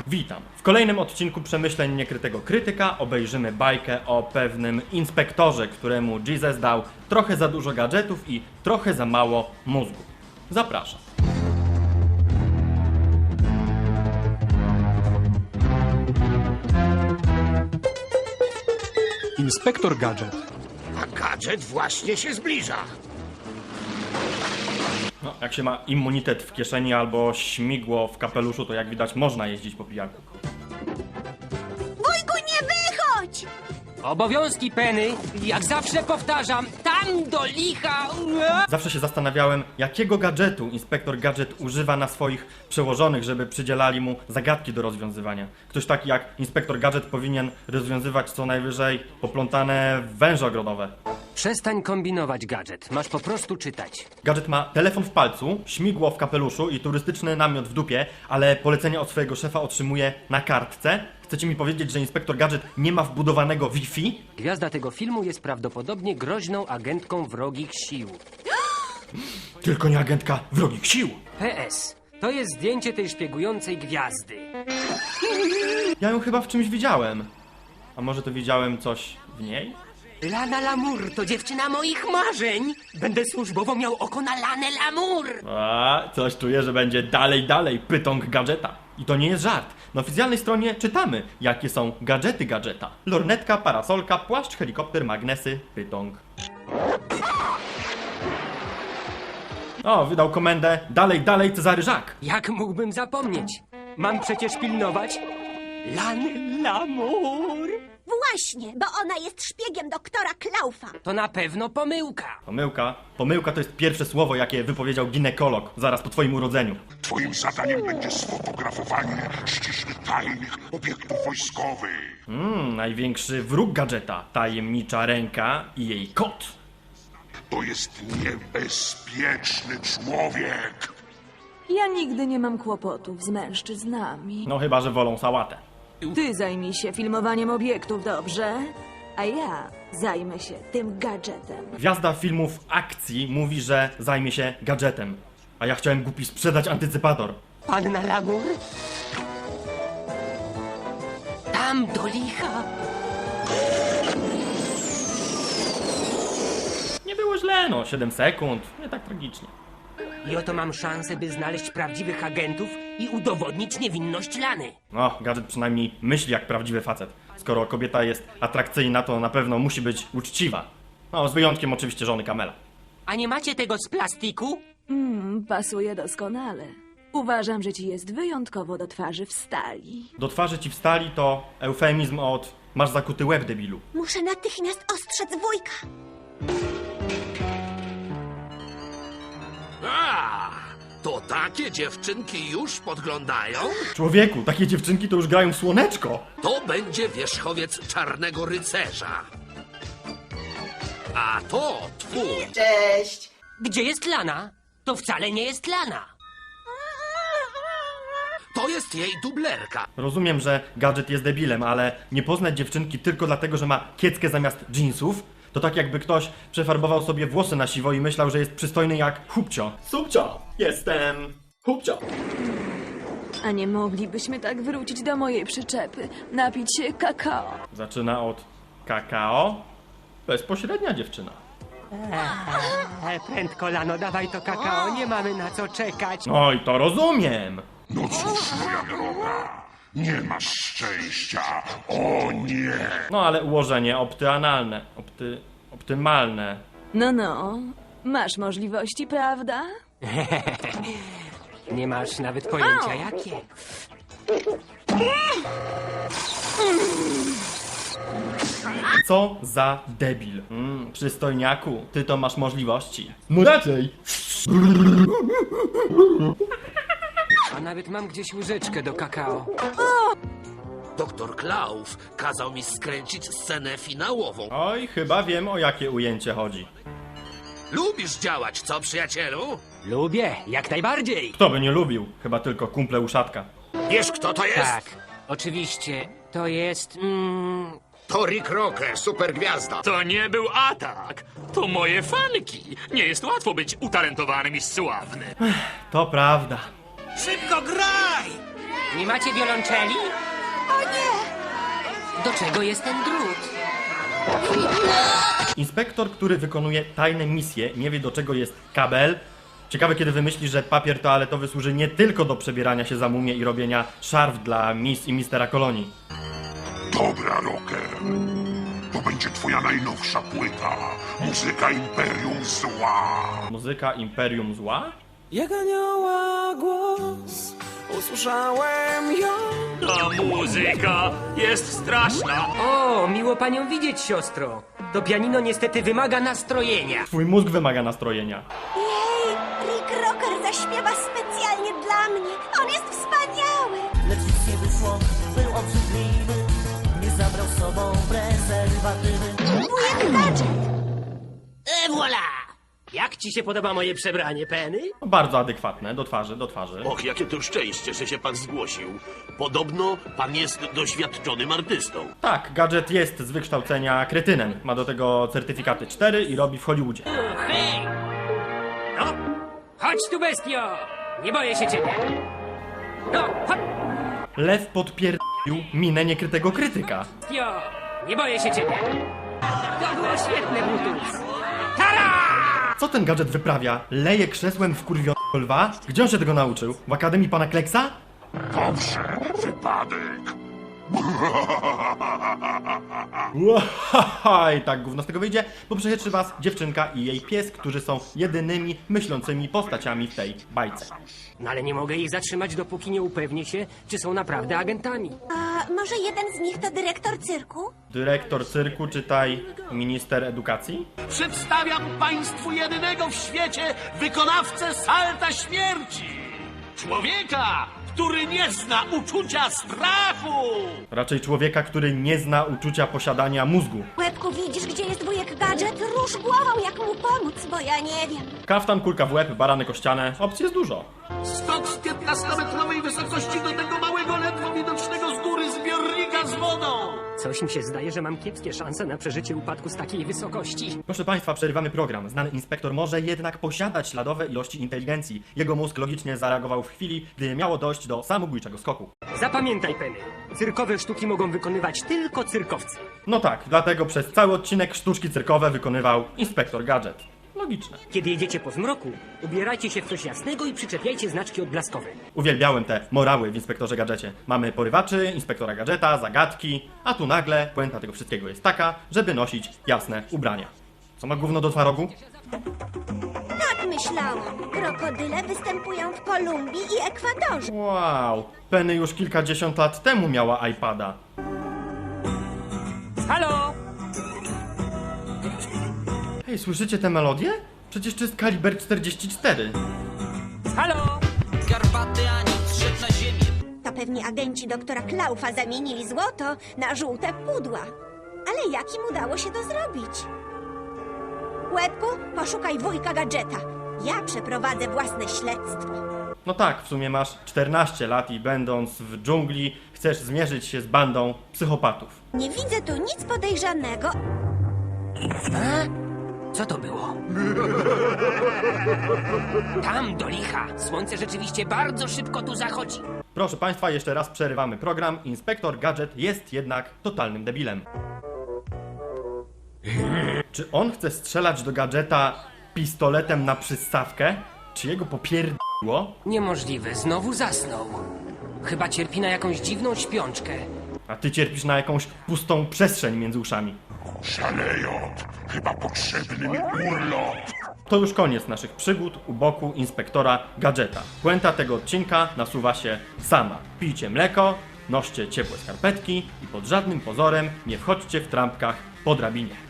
Witam. W kolejnym odcinku Przemyśleń Niekrytego Krytyka obejrzymy bajkę o pewnym inspektorze, któremu Jesus dał trochę za dużo gadżetów i trochę za mało mózgu. Zapraszam. Inspektor Gadżet. A gadżet właśnie się zbliża. No, jak się ma immunitet w kieszeni albo śmigło w kapeluszu, to jak widać można jeździć po pijaku. Wujku, nie wychodź! Obowiązki Penny, jak zawsze powtarzam, tam do licha! Zawsze się zastanawiałem, jakiego gadżetu inspektor Gadżet używa na swoich przełożonych, żeby przydzielali mu zagadki do rozwiązywania. Ktoś taki jak inspektor Gadżet powinien rozwiązywać co najwyżej poplątane węże ogrodowe. Przestań kombinować, gadżet. Masz po prostu czytać. Gadżet ma telefon w palcu, śmigło w kapeluszu i turystyczny namiot w dupie, ale polecenia od swojego szefa otrzymuje na kartce. Chcecie mi powiedzieć, że inspektor Gadżet nie ma wbudowanego Wi-Fi? Gwiazda tego filmu jest prawdopodobnie groźną agentką wrogich sił. Tylko nie agentka wrogich sił! PS. To jest zdjęcie tej szpiegującej gwiazdy. Ja ją chyba w czymś widziałem. A może to widziałem coś w niej? Lana Lamour to dziewczyna moich marzeń. Będę służbowo miał oko na Lanę Lamour. A, coś czuję, że będzie dalej pytąg gadżeta. I to nie jest żart. Na oficjalnej stronie czytamy, jakie są gadżety gadżeta. Lornetka, parasolka, płaszcz, helikopter, magnesy, pytąg. O, wydał komendę dalej Cezary Żak. Jak mógłbym zapomnieć? Mam przecież pilnować Lany Lamour. Właśnie, bo ona jest szpiegiem doktora Klaufa. To na pewno pomyłka. Pomyłka to jest pierwsze słowo, jakie wypowiedział ginekolog zaraz po twoim urodzeniu. Twoim zadaniem będzie sfotografowanie ściśle tajnych obiektów wojskowych. Największy wróg gadżeta, tajemnicza ręka i jej kot. To jest niebezpieczny człowiek. Ja nigdy nie mam kłopotów z mężczyznami. No chyba, że wolą sałatę. Ty zajmij się filmowaniem obiektów, dobrze? A ja zajmę się tym gadżetem. Gwiazda filmów akcji mówi, że zajmie się gadżetem. A ja chciałem głupi sprzedać antycypator. Panna Lamour? Tam do licha. Nie było źle, no 7 sekund, nie tak tragicznie. I oto mam szansę, by znaleźć prawdziwych agentów i udowodnić niewinność Lany. No, gadżet przynajmniej myśli jak prawdziwy facet. Skoro kobieta jest atrakcyjna, to na pewno musi być uczciwa. No, z wyjątkiem oczywiście żony Kamela. A nie macie tego z plastiku? Pasuje doskonale. Uważam, że ci jest wyjątkowo do twarzy w stali. Do twarzy ci wstali to eufemizm od masz zakuty łeb, debilu. Muszę natychmiast ostrzec wujka. A, to takie dziewczynki już podglądają? Człowieku, takie dziewczynki to już grają w słoneczko. To będzie wierzchowiec Czarnego Rycerza. A to twój. Gdzie jest Lana? To wcale nie jest Lana. To jest jej dublerka. Rozumiem, że gadżet jest debilem, ale nie poznać dziewczynki tylko dlatego, że ma kieckę zamiast dżinsów, to tak jakby ktoś przefarbował sobie włosy na siwo i myślał, że jest przystojny jak Hubcio. Subcio, jestem Hubcio. A nie moglibyśmy tak wrócić do mojej przyczepy, napić się kakao? Zaczyna od kakao. Bezpośrednia dziewczyna. Prędko, Lano, dawaj to kakao, nie mamy na co czekać. No i to rozumiem. No cóż, moja droga, nie masz szczęścia. O nie! No ale ułożenie optymalne. Optymalne. No, masz możliwości, prawda? Nie masz nawet pojęcia jakie. Co za debil. Przystojniaku, ty to masz możliwości. No raczej. A nawet mam gdzieś łyżeczkę do kakao. Doktor Klaus kazał mi skręcić scenę finałową. Oj, chyba wiem, o jakie ujęcie chodzi. Lubisz działać, co przyjacielu? Lubię, jak najbardziej. Kto by nie lubił? Chyba tylko kumple uszatka. Wiesz, kto to jest? Tak, oczywiście, to jest... To Rick Rocker, supergwiazda. To nie był atak. To moje fanki. Nie jest łatwo być utalentowanym i sławnym. To prawda. Szybko graj! Nie macie wiolonczeli? O nie! Do czego jest ten drut? Inspektor, który wykonuje tajne misje, nie wie do czego jest kabel. Ciekawe, kiedy wymyśli, że papier toaletowy służy nie tylko do przebierania się za mumię i robienia szarf dla Miss i Mistera Kolonii. Dobra, Rocker. To będzie twoja najnowsza płyta. Muzyka Imperium Zła. Muzyka Imperium Zła? Jak anioła głos, usłyszałem ją. Ta muzyka jest straszna. O, miło panią widzieć, siostro. To pianino niestety wymaga nastrojenia. Twój mózg wymaga nastrojenia. Jej, Rick Rocker zaśpiewa specjalnie dla mnie. On jest wspaniały. Lecz nic nie wyszło, był obrzydliwy. Nie zabrał z sobą prezerwatywy. Wujek Gadżet. Voilà! Jak ci się podoba moje przebranie, Penny? No, bardzo adekwatne, do twarzy, do twarzy. Och, jakie to szczęście, że się pan zgłosił. Podobno pan jest doświadczonym artystą. Tak, Gadżet jest z wykształcenia kretynem. Ma do tego certyfikaty 4 i robi w Hollywoodzie. Hej! No, chodź tu, bestio! Nie boję się ciebie. No, chodź, Lew podpierdolił minę niekrytego krytyka. bestio! Nie boję się ciebie. To było świetne, Brutus. Tara! Co ten Gadżet wyprawia? Leje krzesłem w kurwionego lwa? Gdzie on się tego nauczył? W Akademii Pana Kleksa? Dobrze, wypadek. Łahaha, i tak gówno z tego wyjdzie, bo prześledczy was dziewczynka i jej pies, którzy są jedynymi myślącymi postaciami w tej bajce. No ale nie mogę ich zatrzymać, dopóki nie upewnię się, czy są naprawdę agentami. A może jeden z nich to dyrektor cyrku? Dyrektor cyrku, czytaj minister edukacji? Przedstawiam państwu jedynego w świecie wykonawcę salta śmierci. Człowieka, który nie zna uczucia strachu. Raczej człowieka, który nie zna uczucia posiadania mózgu. Łebku, widzisz, gdzie jest wujek Gadżet? Rusz głową, jak mu pomóc, bo ja nie wiem. Kaftan, kulka w łeb, baranek o ścianę. Opcji jest dużo. Skok z 15-metrowej wysokości do tego małego, ledwo widocznego z góry zbiornika z wodą. Coś mi się zdaje, że mam kiepskie szanse na przeżycie upadku z takiej wysokości. Proszę Państwa, przerywamy program. Znany inspektor może jednak posiadać śladowe ilości inteligencji. Jego mózg logicznie zareagował w chwili, gdy miało dojść do samobójczego skoku. Zapamiętaj, Penny. Cyrkowe sztuki mogą wykonywać tylko cyrkowcy. No tak, dlatego przez cały odcinek sztuczki cyrkowe wykonywał inspektor Gadżet. Logiczne. Kiedy jedziecie po zmroku, ubierajcie się w coś jasnego i przyczepiajcie znaczki odblaskowe. Uwielbiałem te morały w inspektorze Gadżecie. Mamy porywaczy, inspektora Gadżeta, zagadki, a tu nagle puenta tego wszystkiego jest taka, żeby nosić jasne ubrania. Co ma gówno do twarogu? Tak myślałam. Krokodyle występują w Kolumbii i Ekwadorze. Wow, Penny już kilkadziesiąt lat temu miała iPada. Halo! Hej, słyszycie tę melodię? Przecież to jest kaliber 44. Halo! Garbaty ani zszedł na ziemię. To pewnie agenci doktora Klaufa zamienili złoto na żółte pudła. Ale jak im udało się to zrobić? Łebku, poszukaj wujka Gadżeta. Ja przeprowadzę własne śledztwo. No tak, w sumie masz 14 lat i będąc w dżungli chcesz zmierzyć się z bandą psychopatów. Nie widzę tu nic podejrzanego. Co to było? Tam, do licha! Słońce rzeczywiście bardzo szybko tu zachodzi. Proszę Państwa, jeszcze raz przerywamy program. Inspektor Gadżet jest jednak totalnym debilem. Czy on chce strzelać do Gadżeta pistoletem na przystawkę? Czy jego popierdło? Niemożliwe, znowu zasnął. Chyba cierpi na jakąś dziwną śpiączkę. A ty cierpisz na jakąś pustą przestrzeń między uszami. Szalejot, chyba potrzebny mi urlop. To już koniec naszych przygód u boku inspektora Gadżeta. Puenta tego odcinka nasuwa się sama. Pijcie mleko, noście ciepłe skarpetki i pod żadnym pozorem nie wchodźcie w trampkach po drabinie.